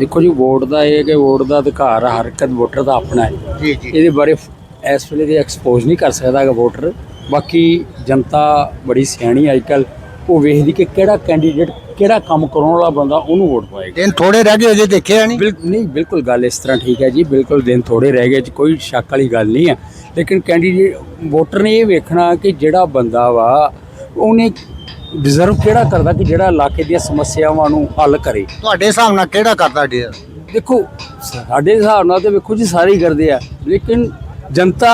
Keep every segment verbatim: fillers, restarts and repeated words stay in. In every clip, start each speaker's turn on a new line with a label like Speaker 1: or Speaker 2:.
Speaker 1: देखो जी वोट का ये कि वोट का अधिकार हर एक वोटर का अपना है
Speaker 2: जी जी
Speaker 1: ये बारे इस वे एक्सपोज नहीं कर सकता वोटर। बाकी जनता बड़ी सियाणी अजकल वो वेखदी कि केड़ा कैंडीडेट केड़ा काम कराने वाला बंदा उन्होंने वोट पाएगा।
Speaker 2: दिन थोड़े रह गए अजे देखे नहीं
Speaker 1: बिल्कुल नहीं बिल्कुल गल इस तरह ठीक है जी बिल्कुल दिन थोड़े रह गए कोई शक वाली गल नहीं है। लेकिन कैंडीडेट वोटर ने ये वेखना कि जिहड़ा बंदा वा उन्हें डिजर्व केड़ा करदा कि जिहड़ा इलाके दी समस्यावां नूं हल करे।
Speaker 2: ਤੁਹਾਡੇ ਹਿਸਾਬ ਨਾਲ ਕਿਹੜਾ ਕਰਦਾ ਡੀਰ
Speaker 1: देखो साडे हिसाब नाल तो वेखो जी सारे ही करदे आ लेकिन जनता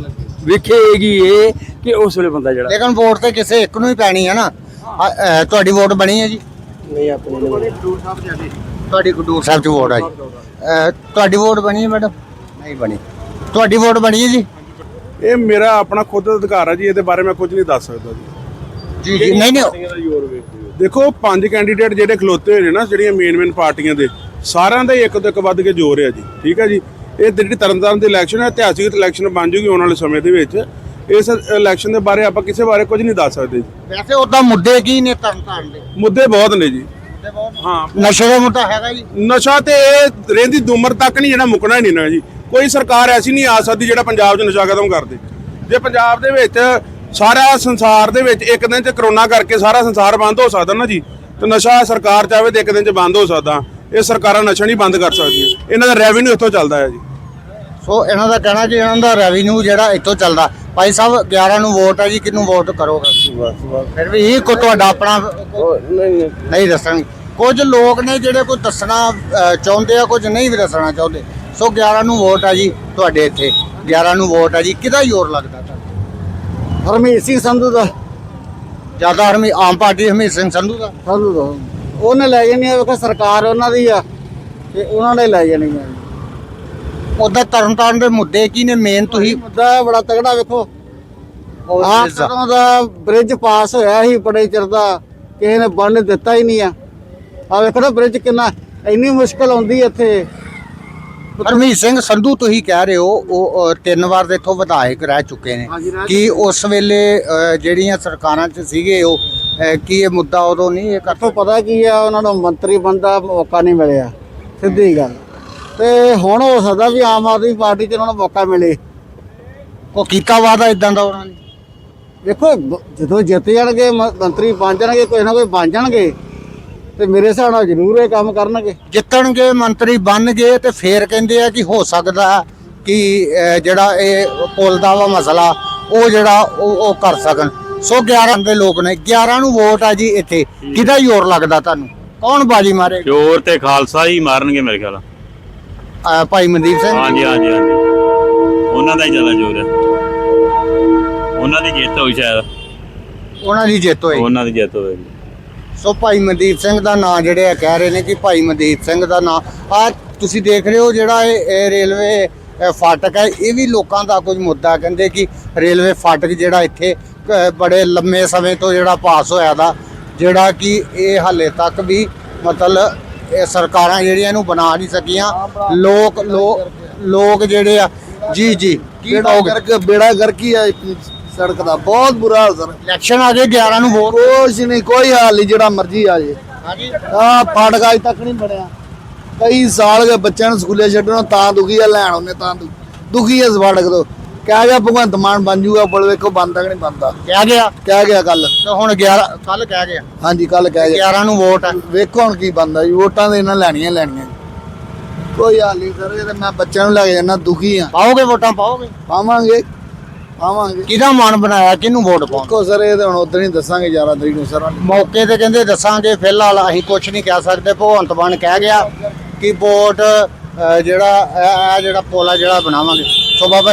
Speaker 1: वेखेगी ये कि उस वेले बंदा जिहड़ा
Speaker 2: ਲੇਕਿन ਵੋਟ ਤੇ ਕਿਸੇ ਇੱਕ ਨੂੰ ਹੀ ਪੈਣੀ ਹੈ ਨਾ। ਆ, ਅ, ਤੁਹਾਡੀ ਵੋਟ ਬਣੀ ਹੈ ਜੀ
Speaker 1: नहीं अपने
Speaker 2: ਤੁਹਾਡੀ ਖਡੂਰ ਸਾਹਿਬ ਚ ਵੋਟ ਆ ਜੀ ਅ, ਤੁਹਾਡੀ ਵੋਟ ਬਣੀ ਹੈ ਮੈਡਮ ਨਹੀਂ ਬਣੀ ਤੁਹਾਡੀ ਵੋਟ ਬਣੀ ਹੈ ਜੀ
Speaker 3: ਇਹ ਮੇਰਾ ਆਪਣਾ ਖੁਦ ਦਾ ਅਧਿਕਾਰ ਹੈ ਜੀ ਇਹਦੇ ਬਾਰੇ ਮੈਂ ਕੁਝ ਨਹੀਂ ਦੱਸ ਸਕਦਾ ਜੀ।
Speaker 2: ਜੀ ਜੀ ਨਹੀਂ ਨਹੀਂ
Speaker 3: ਦੇਖੋ ਪੰਜ ਕੈਂਡੀਡੇਟ ਜਿਹੜੇ ਖਲੋਤੇ ਹੋਏ ਨੇ ਨਾ ਜਿਹੜੀਆਂ ਮੇਨ ਮੇਨ ਪਾਰਟੀਆਂ ਦੇ ਸਾਰਿਆਂ ਦਾ ਹੀ ਇੱਕ ਤੋਂ ਇੱਕ ਵੱਧ ਕੇ ਜ਼ੋਰ ਹੈ ਜੀ ਠੀਕ ਹੈ ਜੀ। ਇਹ ਜਿਹੜੀ ਤਰਨਤਾਰਨ ਦੀ ਇਲੈਕਸ਼ਨ ਹੈ ਇਤਿਹਾਸਿਕ ਇਲੈਕਸ਼ਨ ਬਣ ਜੂਗੀ ਆਉਣ ਵਾਲੇ ਸਮੇਂ ਦੇ ਵਿੱਚ। ਇਸ ਇਲੈਕਸ਼ਨ ਦੇ ਬਾਰੇ ਆਪਾਂ ਕਿਸੇ ਬਾਰੇ ਕੁਝ ਨਹੀਂ ਦੱਸ ਸਕਦੇ ਜੀ।
Speaker 2: ਵੈਸੇ ਉਦਾਂ ਮੁੱਦੇ ਕੀ ਨੇ ਤਰਨਤਾਰਨ ਦੇ
Speaker 3: ਮੁੱਦੇ ਬਹੁਤ ਨੇ ਜੀ। ਹਾਂ
Speaker 2: ਨਸ਼ੇ ਦਾ ਮੁੱਦਾ ਹੈਗਾ ਜੀ
Speaker 3: ਨਸ਼ਾ ਤੇ ਇਹ ਰਹਿੰਦੀ ਉਮਰ ਤੱਕ ਨਹੀਂ ਜਿਹੜਾ ਮੁੱਕਣਾ ਹੀ ਨਹੀਂ ਨਾ ਜੀ। ਕੋਈ ਸਰਕਾਰ ਐਸੀ ਨਹੀਂ ਆ ਸਕਦੀ ਜਿਹੜਾ ਪੰਜਾਬ 'ਚ ਨਸ਼ਾ ਖਤਮ ਕਰ ਦੇ। ਜੇ ਪੰਜਾਬ ਦੇ ਵਿੱਚ ਸਾਰਾ ਸੰਸਾਰ ਦੇ ਵਿੱਚ ਇੱਕ ਦਿਨ 'ਚ ਕਰੋਨਾ ਕਰਕੇ ਸਾਰਾ ਸੰਸਾਰ ਬੰਦ ਹੋ ਸਕਦਾ ਨਾ ਜੀ ਤੇ ਨਸ਼ਾ ਸਰਕਾਰ ਚਾਹੇ ਤੇ ਇੱਕ ਦਿਨ 'ਚ ਬੰਦ ਹੋ ਸਕਦਾ। ਇਹ ਸਰਕਾਰਾਂ ਨਸ਼ਾ ਨਹੀਂ ਬੰਦ ਕਰ ਸਕਦੀਆਂ ਇਹਨਾਂ ਦਾ ਰੈਵਨਿਊ ਇੱਥੋਂ ਚੱਲਦਾ ਹੈ ਜੀ।
Speaker 2: ਸੋ ਇਹਨਾਂ ਦਾ ਕਹਿਣਾ ਜੀ ਇਹਨਾਂ ਦਾ ਰੈਵਨਿਊ ਜਿਹੜਾ ਇੱਥੋਂ ਚੱਲਦਾ। ਭਾਈ ਸਾਹਿਬ ਗਿਆਰਾਂ ਨੂੰ ਵੋਟ ਹੈ ਜੀ ਕਿਹਨੂੰ ਵੋਟ ਕਰੋਗੇ ਫਿਰ ਵੀ ਇਹ ਕੋ ਤੁਹਾਡਾ ਆਪਣਾ ਨਹੀਂ ਦੱਸਣਗੇ। ਕੁਝ ਲੋਕ ਨੇ ਜਿਹੜੇ ਕੋਈ ਦੱਸਣਾ ਅ, ਚਾਹੁੰਦੇ ਆ ਕੁਝ ਨਹੀਂ ਵੀ ਦੱਸਣਾ ਚਾਹੁੰਦੇ। ਸੋ ਗਿਆਰਾਂ ਨੂੰ ਵੋਟ ਆ ਜੀ ਤੁਹਾਡੇ ਇੱਥੇ ਗਿਆਰਾਂ ਨੂੰ ਵੋਟ ਆ ਜੀ ਕਿਹਦਾ ਜ਼ੋਰ ਲੱਗਦਾ ਤੁਹਾਨੂੰ
Speaker 4: ਹਰਮੀਤ ਸਿੰਘ ਸੰਧੂ ਦਾ
Speaker 2: ਜ਼ਿਆਦਾ ਹਰਮੀ ਆਮ ਪਾਰਟੀ ਹਰਮੀਤ ਸਿੰਘ ਸੰਧੂ ਦਾ
Speaker 4: ਸੰਧੂ ਦਾ ਉਹਨੇ ਲੈ ਜਾਣੀ ਆ ਵੇਖੋ ਸਰਕਾਰ ਉਹਨਾਂ ਦੀ ਆ ਤੇ ਉਹਨਾਂ ਨੇ ਲੈ ਜਾਣੀ ਆ।
Speaker 2: ਉਹਦਾ ਤਰਨਤਾਰਨ ਦੇ ਮੁੱਦੇ ਕੀ ਨੇ ਮੇਨ ਤੁਸੀਂ
Speaker 4: ਮੁੱਦਾ ਬੜਾ ਤਗੜਾ ਵੇਖੋ ਆਹ ਕਦੋਂ ਦਾ ਬ੍ਰਿਜ ਪਾਸ ਹੋਇਆ ਸੀ ਬੜੇ ਚਿਰ ਦਾ ਕਿਸੇ ਨੇ ਬਣਨ ਦਿੱਤਾ ਹੀ ਨਹੀਂ ਆ। ਆ ਵੇਖੋ ਨਾ ਬ੍ਰਿਜ ਕਿੰਨਾ ਇੰਨੀ ਮੁਸ਼ਕਲ ਆਉਂਦੀ ਇੱਥੇ।
Speaker 2: ਹਰਮੀਤ ਸਿੰਘ ਸੰਧੂ ਤੁਸੀਂ ਕਹਿ ਰਹੇ ਹੋ ਉਹ ਅ, ਤਿੰਨ ਵਾਰ ਦੇ ਇੱਥੋਂ ਵਿਧਾਇਕ ਰਹਿ ਚੁੱਕੇ ਨੇ ਕਿ ਉਸ ਵੇਲੇ ਅ, ਜਿਹੜੀਆਂ ਸਰਕਾਰਾਂ 'ਚ ਸੀਗੇ ਉਹ ਅ, ਕੀ ਇਹ ਮੁੱਦਾ ਉਦੋਂ ਨਹੀਂ ਇਹ
Speaker 4: ਤੋਂ ਪਤਾ ਕੀ ਆ ਉਹਨਾਂ ਨੂੰ ਮੰਤਰੀ ਬਣਨ ਦਾ ਮੌਕਾ ਨਹੀਂ ਮਿਲਿਆ ਸਿੱਧੀ ਗੱਲ। ਤੇ ਹੁਣ ਹੋ ਸਕਦਾ ਵੀ ਆਮ ਆਦਮੀ ਪਾਰਟੀ 'ਚ ਉਹਨਾਂ ਨੂੰ ਮੌਕਾ ਮਿਲੇ।
Speaker 2: ਉਹ ਕੀਤਾ ਵਾਦਾ ਇਦਾਂ ਦਾ ਉਹਨਾਂ ਨੇ
Speaker 4: ਦੇਖੋ ਜਦੋਂ ਜਿੱਤ ਜਾਣਗੇ ਮ- ਮੰਤਰੀ ਬਣ ਜਾਣਗੇ ਕੋਈ ਨਾ ਕੋਈ ਬਣ ਜਾਣਗੇ ਤੇ ਮੇਰੇ ਹਿਸਾਬ ਨਾਲ ਜ਼ਰੂਰ ਇਹ ਕੰਮ ਕਰਨਗੇ।
Speaker 2: ਜਿੱਤਣਗੇ ਮੰਤਰੀ ਬਣ ਗਏ ਤੇ ਫੇਰ ਕਹਿੰਦੇ ਆ ਕਿ ਹੋ ਸਕਦਾ ਕਿ ਅ, ਜਿਹੜਾ ਇਹ ਪੁੱਲ ਦਾ ਵਾ ਮਸਲਾ ਉਹ ਜਿਹੜਾ ਉਹ ਉਹ ਕਰ ਸਕਣ। ਸੋ ਗਿਆਰਾਂ ਦੇ ਲੋਕ ਨੇ ਗਿਆਰਾਂ ਨੂੰ ਵੋਟ ਆ ਜੀ ਇੱਥੇ ਕਿਹਦਾ ਜ਼ੋਰ ਲੱਗਦਾ ਤੁਹਾਨੂੰ ਕੌਣ ਬਾਜੀ ਮਾਰੇ
Speaker 5: ਜ਼ੋਰ ਤੇ ਖਾਲਸਾ ਹੀ ਮਾਰਨਗੇ ਮੇਰੇ ਖਿਆਲ।
Speaker 2: ਅ, ਭਾਈ ਮਨਦੀਪ ਸਿੰਘ
Speaker 5: ਹਾਂਜੀ ਹਾਂਜੀ ਹਾਂਜੀ ਉਹਨਾਂ ਦਾ ਹੀ ਜ਼ਿਆਦਾ ਜ਼ੋਰ ਹੈ। ਉਹਨਾਂ ਦੀ ਜਿੱਤ ਹੋਈ ਸ਼ਾਇਦ
Speaker 2: ਉਹਨਾਂ ਦੀ ਜਿੱਤ ਹੋਈ।
Speaker 5: ਉਹਨਾਂ ਦੀ ਜਿੱਤ ਹੋਏਗੀ।
Speaker 2: ਸੋ ਭਾਈ ਮਨਦੀਪ ਸਿੰਘ ਦਾ ਨਾਂ ਜਿਹੜੇ ਆ ਕਹਿ ਰਹੇ ਨੇ ਕਿ ਭਾਈ ਮਨਦੀਪ ਸਿੰਘ ਦਾ ਨਾਂ ਆ ਤੁਸੀਂ ਦੇਖ ਰਹੇ ਹੋ ਜਿਹੜਾ ਇਹ ਇਹ ਰੇਲਵੇ ਅ, ਫਾਟਕ ਹੈ ਇਹ ਵੀ ਲੋਕਾਂ ਦਾ ਕੁਝ ਮੁੱਦਾ ਕਹਿੰਦੇ ਕਿ ਰੇਲਵੇ ਫਾਟਕ ਜਿਹੜਾ ਇੱਥੇ ਅ, ਬੜੇ ਲੰਮੇ ਸਮੇਂ ਤੋਂ ਜਿਹੜਾ ਪਾਸ ਹੋਇਆ ਦਾ ਜਿਹੜਾ ਕਿ ਇਹ ਹਾਲੇ ਤੱਕ ਵੀ ਮਤਲਬ ਇਹ ਸਰਕਾਰਾਂ ਜਿਹੜੀਆਂ ਇਹਨੂੰ ਬਣਾ ਨਹੀਂ ਸਕੀਆਂ। ਲੋਕ ਲੋਕ ਲੋਕ ਜਿਹੜੇ ਆ ਜੀ ਜੀ ਕੀ ਕਹੋਗੇ
Speaker 4: ਕਰਕੇ ਬੇੜਾ ਗਰਕੀ ਆ ਸੜਕ ਦਾ ਬਹੁਤ ਬੁਰਾ ਹਾਲ ਸਰ।
Speaker 2: ਇਲੈਕਸ਼ਨ ਆ ਗਏ ਗਿਆਰਾਂ ਨੂੰ ਵੋਟ
Speaker 4: ਕੁਛ ਨਹੀਂ ਕੋਈ ਹਾਲ ਨਹੀਂ ਜਿਹੜਾ ਮਰਜ਼ੀ ਆ ਜੇ।
Speaker 2: ਹਾਂਜੀ
Speaker 4: ਆ ਫਾਟਕ ਅਜ ਤੱਕ ਨਹੀਂ ਬਣਿਆ ਕਈ ਸਾਲ ਗਏ ਬੱਚਿਆਂ ਨੂੰ ਸਕੂਲੇ ਛੱਡਣੋਂ ਤਾਂ ਦੁਖੀ ਆ ਲੈਣ ਉਹਨੇ ਤਾਂ ਦੁ- ਦੁਖੀ ਆ ਇਸ ਫਾਟਕ ਤੋਂ। ਕਹਿ ਗਿਆ ਭਗਵੰਤ ਮਾਨ ਬਣ ਜੂਗਾ ਪੁਲ ਵੇਖੋ ਬੰਦ ਤੱਕ ਨਹੀਂ ਬਣਦਾ।
Speaker 2: ਕਹਿ ਗਿਆ
Speaker 4: ਕਹਿ ਗਿਆ ਕੱਲ
Speaker 2: ਤੇ ਹੁਣ ਗਿਆਰਾਂ ਕੱਲ ਕਹਿ ਗਿਆ
Speaker 4: ਹਾਂਜੀ ਕੱਲ ਕਹਿ ਗਿਆ
Speaker 2: ਗਿਆਰਾਂ ਨੂੰ ਵੋਟ ਆ
Speaker 4: ਵੇਖੋ ਹੁਣ ਕੀ ਬਣਦਾ ਜੀ। ਵੋਟਾਂ ਦੇ ਇਹਨਾਂ ਲੈਣੀਆਂ ਲੈਣੀਆਂ ਕੋਈ ਹਾਲ ਨਹੀਂ ਸਰ। ਇਹ ਤਾਂ ਮੈਂ ਬੱਚਿਆਂ ਨੂੰ ਲੈ ਕੇ ਜਾਣਾ ਦੁਖੀ ਆ।
Speaker 2: ਪਾਓਗੇ ਵੋਟਾਂ ਪਾਓਗੇ
Speaker 4: ਪਾਵਾਂਗੇ ਪਾਵਾਂਗੇ
Speaker 2: ਕਿਹਦਾ ਮਨ ਬਣਾਇਆ ਕਿਹਨੂੰ ਵੋਟ ਪਾਉਣ
Speaker 4: ਦੇਖੋ ਸਰ ਇਹ ਤਾਂ ਹੁਣ ਉਧਰ ਹੀ ਦੱਸਾਂਗੇ ਗਿਆਰਾਂ ਤਰੀਕ ਨੂੰ ਸਰ।
Speaker 2: ਮੌਕੇ ਤੇ ਕਹਿੰਦੇ ਦੱਸਾਂਗੇ ਫਿਲਹਾਲ ਅਸੀਂ ਕੁਝ ਨਹੀਂ ਕਹਿ ਸਕਦੇ। ਭਗਵੰਤ ਮਾਨ ਕਹਿ ਗਿਆ ਕਿ ਵੋਟ ਅ, ਜਿਹੜਾ ਇਹ ਇਹ ਜਿਹੜਾ ਪੁਲ ਆ ਜਿਹੜਾ ਬਣਾਵਾਂਗੇ। ਸੋ ਬਾਬਾ